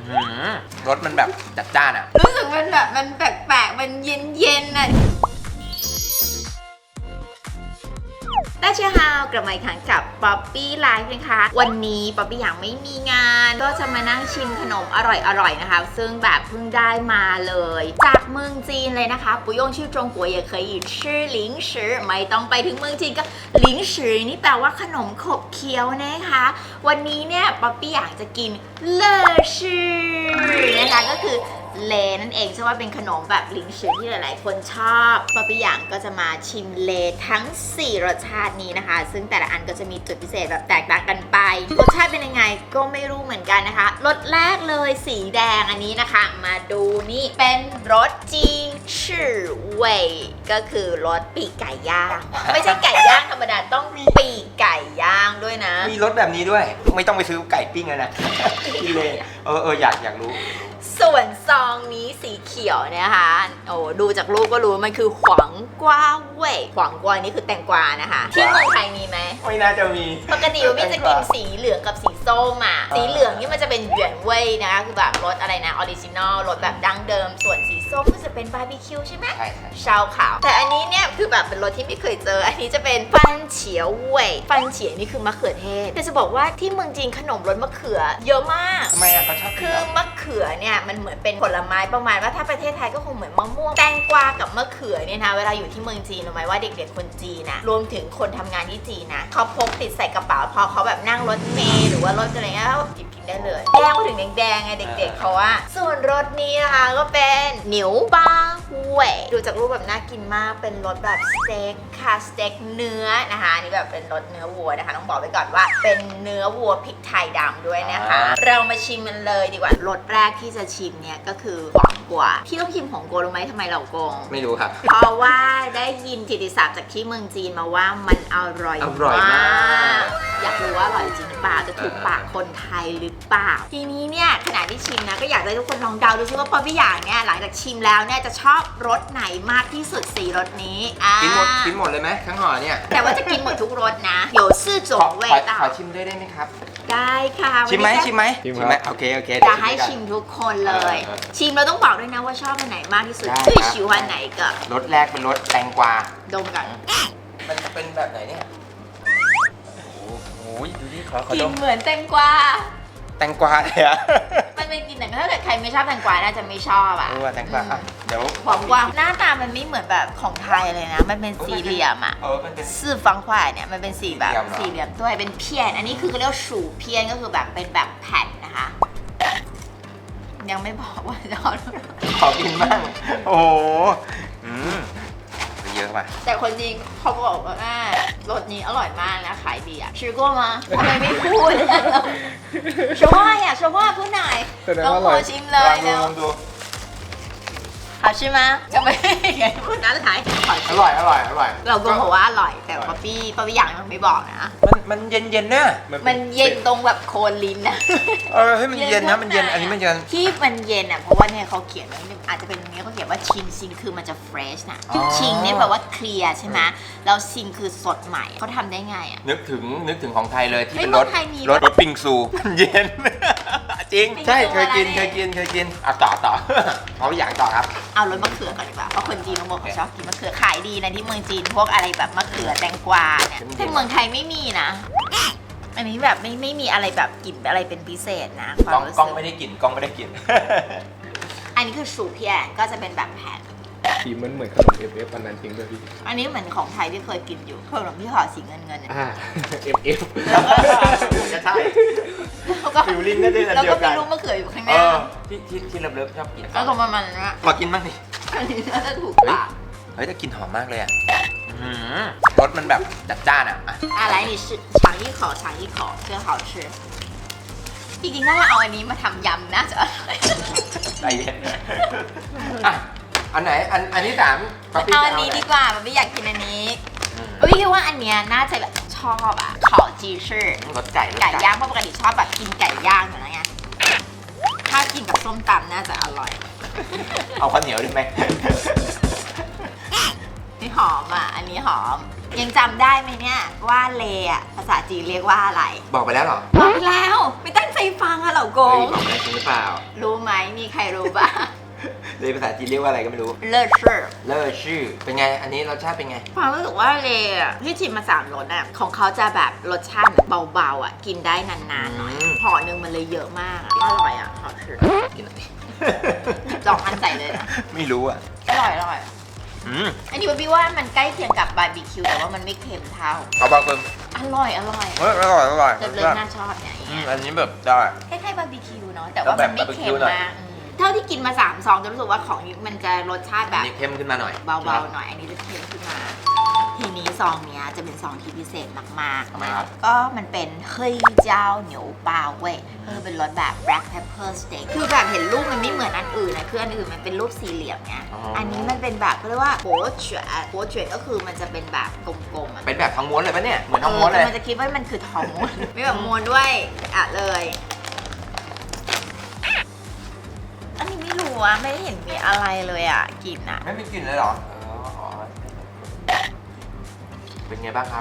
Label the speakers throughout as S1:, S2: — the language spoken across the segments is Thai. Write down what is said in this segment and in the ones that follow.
S1: รสมันแบบจัดจ้านอ่ะ
S2: รู้สึกมันแบบมันแปลกๆมันเย็นๆอ่ะ大家好กลับมาอีกครั้งกับป๊อปปี้ไลฟ์นะคะวันนี้ป๊อปปี้ยังไม่มีงานก็จะมานั่งชิมขนมอร่อยๆนะคะซึ่งแบบเพิ่งได้มาเลยจากเมืองจีนเลยนะคะ不用去中国也可以吃零食ไม่ต้องไปถึงเมืองจีนก็零食นี่แปลว่าขนมขบเคี้ยวนะคะวันนี้เนี่ยป๊อปปี้อยากจะกินเลอชื่อนะคะก็คือเลนั่นเองใช่ว่าเป็นขนมแบบลิงชือที่หลายๆคนชอบป๊อปปี้หยางก็จะมาชิมเลทั้ง4รสชาตินี้นะคะซึ่งแต่ละอันก็จะมีจุดพิเศษแบบแตกต่างกันไปรสชาติเป็นยังไงก็ไม่รู้เหมือนกันนะคะรสแรกเลยสีแดงอันนี้นะคะมาดูนี่เป็นรสจีชื่อเว่ยก็คือรสปีกไก่ย่างไม่ใช่ไก่ย่างธรรมดาต้องปีกไก่ย่างด้วยนะ
S1: มีรสแบบนี้ด้วยไม่ต้องไปซื้อไก่ปิ้งแล้วนะกินเลยอยากรู้
S2: ส่วนซองนี้สีเขียวเนี่ยค่ะโอ้ดูจากรูปก็รู้มันคือขวางกวาเว่ยขวางกวานี่คือแตงกวานะคะที่เมืองไทยมีไหม
S1: ไม่น่าจะมี
S2: ปกติพี่จะกินสีเหลืองกับสีส้มอ่ะสีเหลืองนี่มันจะเป็นเหวียนเว่ยนะคะคือแบบรสอะไรนะออริจินอลรสแบบดั้งเดิมส่วนสีส้มก็จะเป็นบาร์บีคิวใช่ไหม
S1: ใช่
S2: ชาวขาวแต่อันนี้เนี่ยคือแบบเป็นรสที่ไม่เคยเจออันนี้จะเป็นฟันเฉียวเว่ยฟันเฉียวนี่คือมะเขือเทศแต่จะบอกว่าที่เมืองจีนขนมรสมะเขือเยอะมาก
S1: ทำไมอ่ะเขาชอบ
S2: คือมะเขือเนี่ยมันเหมือนเป็นผลไม้ประมาณว่าถ้าประเทศไทยก็คงเหมือนมะม่วงแตงกวากับมะเขือเนี่ยนะเวลาอยู่ที่เมืองจีนรู้ไหมว่าเด็กๆคนจีนนะรวมถึงคนทำงานที่จีนนะเขาพกติดใส่กระเป๋าพอเขาแบบนั่งรถเมล์หรือว่ารถอะไรเงี้ยเขาหยิบกินได้เลยแดงมาถึงแดงๆไงเด็กๆเขาว่าส่วนรสนี้นะคะก็เป็นหนิวปาเว่ยดูจากรูปแบบน่ากินมากเป็นรสแบบสเต็กค่ะสเต็กเนื้อนะคะนี่แบบเป็นรสเนื้อวัวนะคะต้องบอกไว้ก่อนว่าเป็นเนื้อวัวพริกไทยดำด้วยนะคะเรามาชิมมันเลยดีกว่ารสแรกที่จะชิมเนี่ยก็คือหวานกว่าที่ต้องชิมของโกรู้ไหมทำไมเราโกง
S1: ไม่รู้ครับ
S2: เพราะว่าได้ยินกิตติศัพท์จากที่เมืองจีนมาว่ามันอร่อยมากอยากรู้ว่าอร่อยจริงหรือเปล่าจะถูกปากคนไทยหรือเปล่าทีนี้เนี่ยขณะที่ชิมนะก็อยากให้ทุกคนลองเดาดูซิว่าป๊อปปี้หยางเนี่ยหลังจากชิมแล้วเนี่ยจะชอบรสไหนมากที่สุด4รสนี้
S1: กินหมดเลยไหมทั้งห่อเนี่ย
S2: แต่ว่าจะกินหมดทุกรสนะ有4种味道
S1: ขอชิมได้ไหมครับ
S2: ได้ค่ะ
S1: ชิมไหมโอเค
S2: จะให้ชิมทุกคนเลยชิมเราต้องบอกด้วยนะว่าชอบอันไหนมากที่สุด最喜欢哪一个
S1: รสแรกเป็นรสแตงกวา
S2: ดมกัน
S1: มันเป็นแบบไหนเนี่ยโอ้ยดูดิขอ
S2: กิ
S1: ด
S2: น
S1: ม
S2: เหมือนแตงกวา
S1: แตงกวาเลยอะ
S2: มันเป็นกินแต่ถ้าเกิดใครไม่ชอบแตงกวาน่าจะไม่ชอบอ่ะ
S1: แตงกวาเดี๋ยว
S2: หอมกวางหน้าตามันไม่เหมือนแบบของไทยเลยนะมันเป็นสี่เหลี่ยมอ่ะ
S1: มันเป็น
S2: สี่方块เนี่ยมันเป็นสี่แบบสี่เหลี่ยมด้วยเป็นเพี้ยนอันนี้คือเขาเรียกสูเพี้ยนก็คือแบบเป็นแบบแผ่นนะคะยังไม่บอกว่าจะ
S1: ขอกินบ้างโอ้โหเยอะป่ะ
S2: แต่คนจริงเขาบอกว่ารสนี้อร่อยมากนะขายดีอ่ะชิโก้มาทำไมไม่พูดชว่าชว่าพูดหน่อยลองขอชิมเลยเดี๋ยว好吃吗จะไม่พูดนั้นถ่าย
S1: อร่อย
S2: เราก็บอกว่าอร่อยแต่ป๊อปปี้อย่างยังไม่บอกนะ
S1: มันเย็นเนี่ย
S2: มันเย็นตรงแบบโคนลิ้นนะ
S1: ให้มันเย็นนะมันเย็นอันนี้มันเย็น
S2: ที่มันเย็นอ่ะเพราะว่าเนี่ยเขาเขียนไว้อาจจะเป็นตรงนี้เขาเขียนว่าชิงซิงคือมันจะเฟรชนะชิงเนี่ยแปลว่าเคลียร์ใช่ไหมแล้วซิงคือสดใหม่เขาทำได้ไงอ่ะ
S1: นึกถึงของไทยเลยที่เป็นรสปิงซูมันเย็นจริงใช่เคยกินต่อเขาอย่างต่อครับ
S2: เอารสมะเขือก่อนดีกว่าเพราะคนจีนเขาบอกเขาชอบกินมะเขือขายดีนะที่เมืองจีนพวกอะไรแบบมะเขือแตงกวาเนี่ยแต่เมืองไทยไม่มีนะอันนี้แบบไม่มีอะไรแบบกลิ่นอะไรเป็นพิเศษนะ
S1: กล้องไม่ได้กลิ่น
S2: อันนี้คือสูเพียนก็จะเป็นแบบแผ่น
S3: สีมันเหมือนขนม FF อันนั้นจริงด้วยพี่
S2: อันนี้เหมือนของไทยที่เคยกินอยู่ขนมที่ห่อสีเงิน
S3: FF
S1: จะใช่ฟิลลิ่งได้ด้วยกัน
S2: แล้วก็มีลูกมะเขืออยู่ข้างหน้า
S1: ที่เลิฟชอบกิน
S2: แล้วก็ประมาณนั้นนะ
S1: ขอกินบ้างดิ
S2: อันนี้น่าจะถูกปาก
S1: แต่กลิ่นหอมมากเลยอ่ะรสมันแบบจัดจ้านอ่ะ
S2: 来你试尝一口真好吃จริงๆถ้าเราเอาอันนี้มาทำยำน่าจะอร่อย
S1: ใจเย็นอันไหนอันที่3
S2: เอาอันนี้ดีกว่าไม่อยากกินอันนี้พี่คิดว่าอันเนี้ยน่าจะแบบชอบอ่ะขอจีชื่อ
S1: รสไก่
S2: ย่างเพราะปกติชอบแบบกินไก่ย่างอยู่แล้วไงถ้ากินกับส้มตำน่าจะอร่อย
S1: เอาข้าวเหนียวได้ไหม
S2: นี่หอมอ่ะอันนี้หอมยังจำได้ไหมเนี่ยว่าเลอะภาษาจีนเรียกว่าอะไร
S1: บอกไปแล้วเหรอ
S2: บอกไปแล้วไม่ตั้งใจฟังอะเหล่าโก
S1: เฮ้ย
S2: ง
S1: บอกได้จริงหรือเปล่า
S2: รู้ไหมมีใครรู้บ้าง
S1: เลยภาษาจีนเรียกว่าอะไรก็ไม่รู้
S2: เลิศชื่อ
S1: เลอชื่อเป็นไงอันนี้รสชาติเป็นไง
S2: ความรู้สึกว่าเลอะที่ชิมมา3รสอะของเขาจะแบบรสชาติเบาๆอะกินได้นานๆหน่อย
S1: อืม
S2: ห่อหนึ่งมันเลยเยอะมากอะอร่อยอะห่อชื่อ
S1: กินหน่อยดิ
S2: ลองอันใส่เลยนะ
S1: ไม่รู้อ่ะ
S2: อร่อยอร่อย
S1: อืม
S2: อันนี้พี่ว่ามันใกล้เคียงกับบาร์บีคิวแต่ว่ามันไม่เค็มเท่า
S1: เอาบ้างเพิ่ม
S2: อร่อยอร่อย
S1: เฮ้ยอร่อยอร่อย
S2: เลิศเลยน่าชอบเนี่ย
S1: อันนี้แบบได้
S2: คล้ายๆบาร์บีคิวเนาะแต่ว่ามันไม่เค็มมากเท่าที่กินมา3 ซองจะรู้สึกว่าของนี้มันจะรสชาติแบ
S1: อัน
S2: บ
S1: นี้เข้มขึ้นมาหน่อย
S2: เบาๆหน่อย อันนี้จะเค็มขึ้นมา ทีนี้ซองเนี้ยจะเป็นซองที่พิเศษมาก
S1: ทำไม
S2: ๆ
S1: ครับ
S2: ก็มันเป็นเฮ้ยเจ้าเหนียวปลาเว้ยเป็นรสแบบ black pepper steak คือแบบเห็นรูปมันไม่เหมือนอันอื่นนะคืออันอื่นมันเป็นรูปสี่เหลี่ยมไงอันนี้มันเป็นแบบเขาเรียกว่าโบเฉวยโบเฉวยก็คือมันจะเป็นแบบกลมๆอะ
S1: เป็นแบบทองม้วนเลยปะเนี่ยเหมือนทองม้วนเลย
S2: มันจะคิดว่ามันคือทองม้วน ไม่แบบม้วนด้วยเลย อันนี้ไม่รู้อะไม่เห็นมีอะไรเลยอะกลิ่นอะ
S1: ไม่มีกลิ่นเลยเหรอเป็นไงบ้างครับ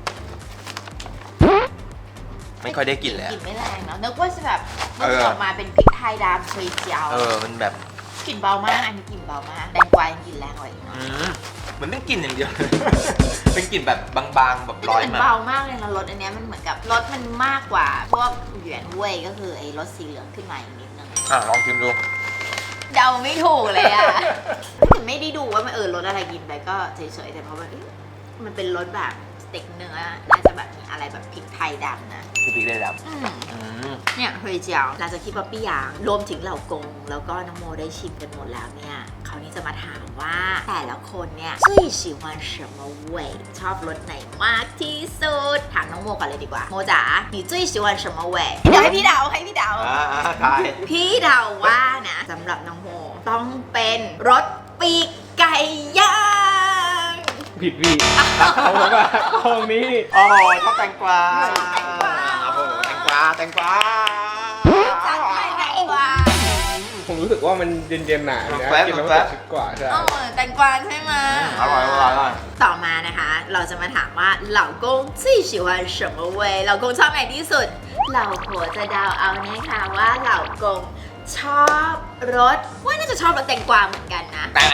S1: ไม่ค่อยได้กลิ่นเลย
S2: กลิ่นไม่แรงเนาะนึกว่าจะแบบมัน
S1: เออ
S2: ออกมาเป็นพริกไทยดำเฉยเจียว
S1: มันแบบ
S2: กลิ่นเบามากอันนี้กลิ่นเบามากแตงกวายังกลิ่นแรงกว่าอีกเนาะ
S1: เหมือนเป็นกลิ่นอย่างเดียว เป็นกลิ่นแบบบางๆแบบลอย
S2: มัน
S1: มา
S2: เบามากเลยนะรสอันเนี้ยมันเหมือนกับรสมันมากกว่าพวกเหวียนเว่ยก็คือไอ้รสสีเหลืองขึ้นมาอีกนิดนึง
S1: ลองชิมดู
S2: เดาไม่ถูกเลยอะแต่ไม่ได้ดูว่ามันรสอะไรกินไปก็เฉยๆแต่เพราะมันเป็นรสแบบสเต็กเนื้อน่าจะแบบมีอะไรแบบพริกไทยดำนะ
S1: คือพริกได้ดับ
S2: เนี่ยเฮยเจียวหลังจากที่ป๊อปปี้หยางรวมถึงเหล่ากง แล้วก็น้องโมได้ชิมกันหมดแล้วเนี่ยคราวนี้จะมาถามว่าแต่ละคนเนี่ย最喜欢什么味ชอบรสไหนมากที่สุดถามน้องโมก่อนเลยดีกว่าโมจ๋า你最喜欢什么味เดี๋ยวให้พี่เดาให้พี่เดา
S1: ใช่
S2: พี่เดาว่านะสำหรับน้องโมต้องเป็นรสปีกไก่ย่าง
S3: ผิดพี่เอาแล้วว่าห้องนี้
S1: โอ้ยชอบแตงกวา
S2: แตงกวา
S1: โอ้โหแตงกวาแตงกวา
S2: จัดให้แตงกวา
S3: ผมรู้สึกว่ามันเย็นๆหนานะกินแล้วมันสดชื่นกว่าใช่
S2: แตงกวาใช่ไหม
S1: อร่อยอร่อยอร่อย
S2: ต่อมานะคะ เราจะมาถามว่าเหล่ากง最喜欢什么味เหล่ากงชอบไหนที่สุดเหล่าผัวจะเดาเอานะคะว่าเหล่ากงชอบรสว่าน่าจะชอบรสแตงกวาเหมือนกันนะ
S1: แต่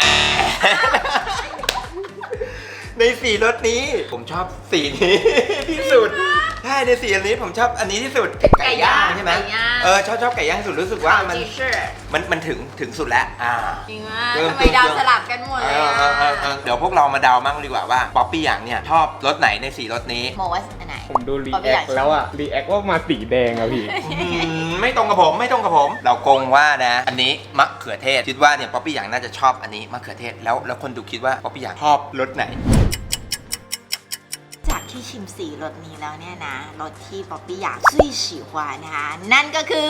S1: ในสีรสนี้ผมชอบสีนี้ ที่สุดใช่ในสีอันนี้ผมชอบอันนี้ที่สุดไก่ย่างใช่ไหม
S2: ไก่ย่าง
S1: ชอบไก่ย่างสุดรู้สึกว่ามัน
S2: จีเชื่อ
S1: มันถึงสุดแล้ว
S2: จริงมากทำไมเดาสลับกันหมดเลยอะ
S1: เดี๋ยวพวกเรามาเดามั่งดีกว่าว่าป๊อปปี้อย่างเนี่ยชอบรสไหนในสีรสนี้
S2: โมว่าอันไหน
S3: ผมดูรีแอคแล้วอะรีแอคว่ามาสีแดงอะพี่
S1: ไม่ตรงกับผมไม่ตรงกับผม เรากงว่านะ อันนี้มะเขือเทศคิดว่าเนี่ยป๊อปปี้อย่างน่าจะชอบอันนี้มะเขือเทศแล้วคนดูคิดว่าป๊อปปี้อย่างชอบรสไหน
S2: จากที่ชิมสีรสนี้แล้วเนี่ยนะรสที่ป๊อปปี้อยาก最喜欢นะคะนั่นก็คือ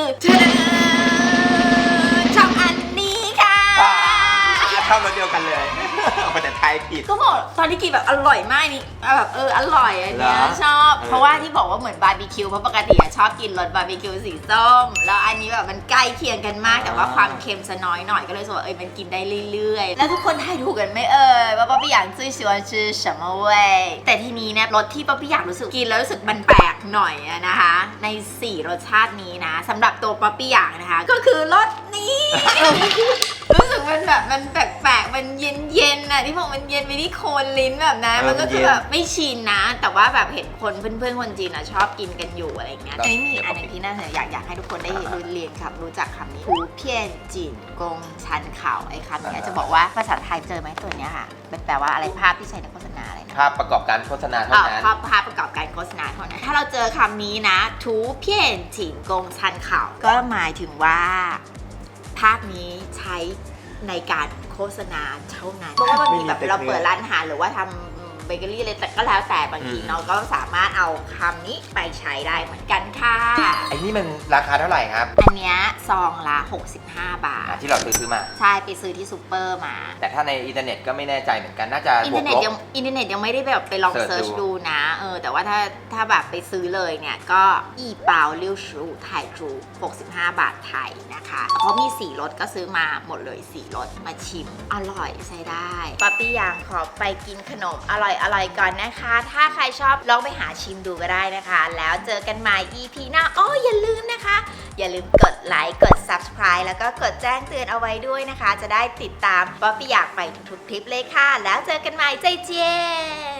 S2: ชอบอันนี้ค่ะ
S1: ชอบรสเดียวกันเลยเอาแต่ไทยผิด
S2: ก็บอกตอนที่กินแบบอร่อยมากนี่แบบอร่อยอันเนี้ย
S1: เหรอ
S2: ชอบ เพราะว่าที่บอกว่าเหมือนบาร์บีคิวเพราะปกติอะชอบกินรสบาร์บีคิวสีส้มแล้วอันนี้แบบมันใกล้เคียงกันมากแต่ว่าความเค็มจะน้อยหน่อยก็เลยรู้สึกว่ามันกินได้เรื่อยๆแล้วทุกคนทายถูกกันไหมว่าป๊อปปี้อยาก最喜欢吃什么味แต่ทีนี้เนี่ยรสที่ป๊อปปี้อยากรู้สึกกินแล้วรู้สึกมันแปลกหน่อยอะนะคะใน4รสชาตินี้นะสำหรับตัวป๊อปปี้อยากนะคะก็คือรสนี้ รู้สึกมันแบบมันแปลกๆมันเย็นๆน่ะที่บอกมันเย็นไปที่โคนลิ้นแบบนะมันก็คือแบบไม่ชินนะ แต่ว่าแบบเห็นคนเพื่อนๆคนจีนอ่ะชอบกินกันอยู่อะไรอย่างเงี้ยแต่นี่มีอันหนึงที่น่าสนใจอยากให้ทุกคนได้เรียนครับรู้จักคำนี้หูเพี้ยนจีนกงชันเข่าไอ้คำเนี้ยจะบอกว่าภาษาไทยเจอไหมตัวเนี้ยค่ะเป็นแปลว่าอะไรภาพที่ใช้ในโฆษณาอะไรนะ
S1: ภาพประกอบการโฆษณาเท่านั้น
S2: ภาพประกอบการโฆษณาเท่านั้นถ้าเราเจอคำนี้นะทูเพี้ยนจีนกงชันเข่าก็หมายถึงว่าภาพนี้ใช้ในการโฆษณาเท่านั้นเพราะว่าบางทีแบบเราเปิดร้านอาหารหรือว่าทำเบเกอรี่อะไรแต่ก็แล้วแต่บางทีเราก็สามารถเอาคำนี้ไปใช้ได้เหมือนกันค่ะ
S1: ไอ้นี่มันราคาเท่าไหร่ครับ
S2: อันเนี้ยซองละ65 บาท
S1: ที่เราซื้อมา
S2: ใช่ไปซื้อที่ซูเปอร์มา
S1: แต่ถ้าในอินเทอร์เน็ตก็ไม่แน่ใจเหมือนกันน่าจะ
S2: อิน
S1: บ
S2: เท
S1: ว
S2: อก ร์เน็ต
S1: ลบ
S2: ยังไม่ได้แบบไปลอง
S1: เสิ
S2: เซิ
S1: ร์
S2: ร์
S1: ช
S2: ช
S1: ดู
S2: ดูนะแต่ว่าถ้าแบบไปซื้อเลยเนี่ยก็อีเปาเลี้ยวชูไทยจู65 บาทไทยนะคะเขามี4รสก็ซื้อมาหมดเลย4รสมาชิมอร่อยใช้ได้ป๊อปปี้ยางขอไปกินขนมอร่อยร่อยๆก่อนนะคะ ถ้าใครชอบลองไปหาชิมดูก็ได้นะคะ แล้วเจอกันใหม่ EP หน้าอย่าลืมนะคะ อย่าลืมกดไลค์กด Subscribe แล้วก็กดแจ้งเตือนเอาไว้ด้วยนะคะ จะได้ติดตามป๊อปปี้อยากไปทุกๆคลิปเลยค่ะ แล้วเจอกันใหม่ใจเจียน